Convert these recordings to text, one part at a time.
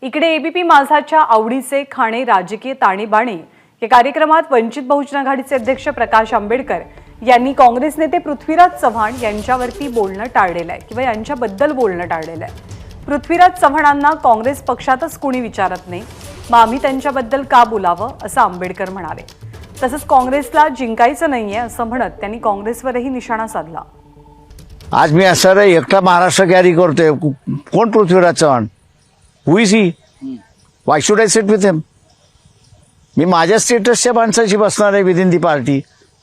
इकडे एबीपी माझाच्या आवडीचे खाणे राजकीय ताणेबाणे या कार्यक्रमात वंचित बहुजन आघाडीचे अध्यक्ष प्रकाश आंबेडकर यांनी काँग्रेस नेते पृथ्वीराज चव्हाण यांच्यावरती बोलणं टाळलेलं आहे किंवा यांच्याबद्दल बोलणं टाळलेलं आहे। पृथ्वीराज चव्हाणांना काँग्रेस पक्षातच कोणी विचारत नाही, मग आम्ही त्यांच्याबद्दल का बोलावं असं आंबेडकर म्हणाले। तसंच काँग्रेसला जिंकायचं नाहीये असं म्हणत त्यांनी काँग्रेसवरही निशाणा साधला। आज मी असं एकटा महाराष्ट्र कॅरी करतोय, कोण Prithviraj Chavan? Who is he? Why should I sit with him? मी माझ्या स्टेटसच्या माणसाशी बसणार आहे विदिन दी पार्टी।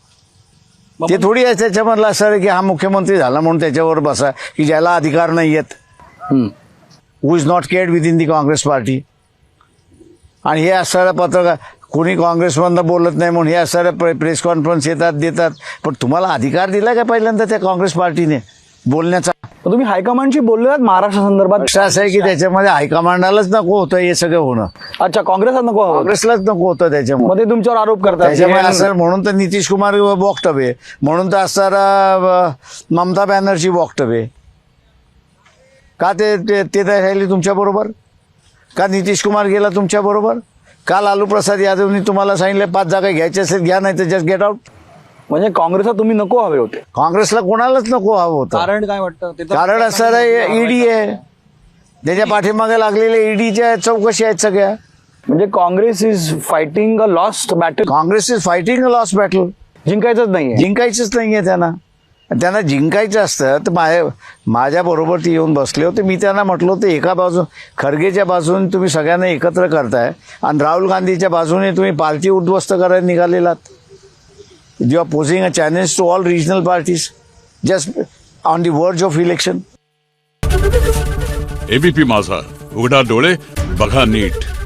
ते थोडी आहे त्याच्यामधलं असं आहे की हा मुख्यमंत्री झाला म्हणून त्याच्यावर बसा, की ज्याला अधिकार नाही आहेत, who is not cared within the Congress party. आणि हे असणाऱ्या पत्रकार कोणी काँग्रेसमधनं बोलत नाही म्हणून हे असणाऱ्या प्रेस कॉन्फरन्स येतात देतात, पण तुम्हाला अधिकार दिला का पहिल्यांदा त्या काँग्रेस पार्टीने बोलण्याचा? तुम्ही हायकमांडशी बोललात महाराष्ट्र संदर्भात? असं आहे की त्याच्यामध्ये हायकमांडालाच नको होतं हे सगळं होणं। अच्छा, काँग्रेसला नको? काँग्रेसलाच नको होतं त्याच्यामध्ये। मध्ये तुमच्यावर आरोप करतात त्याच्यामुळे असं म्हणून तर नितीश कुमार वक्तव्य, म्हणून तर असणारा ममता बॅनर्जी वक्तव्य का ते राहिली तुमच्या बरोबर? का नितीश कुमार गेला तुमच्या बरोबर? का लालू प्रसाद यादवनी तुम्हाला सांगितलं 5 जागा घ्यायच्या असेल घ्या, नाही तर जस्ट गेट आउट? म्हणजे काँग्रेसला तुम्ही नको हवे होते? काँग्रेसला कोणालाच नको हवं होतं। कारण काय वाटतं? कारण असं ईडी आहे, त्याच्या पाठीमागे लागलेल्या ईडीच्या चौकशी आहेत सगळ्या। म्हणजे Congress is fighting a lost battle? Congress is fighting a lost battle. जिंकायचंच नाहीये? जिंकायचंच नाहीये त्यांना जिंकायचं असतं तर माझ्या बरोबर ते येऊन बसले होते। मी त्यांना म्हटलं होतं एका बाजू खरगेच्या बाजूने तुम्ही सगळ्यांना एकत्र करताय आणि राहुल गांधीच्या बाजूने तुम्ही पार्टी उद्ध्वस्त करायला निघालेलात। You are posing a challenge to all regional parties just on the verge of election. ABP माझा, उघडा डोळे बघा नीट।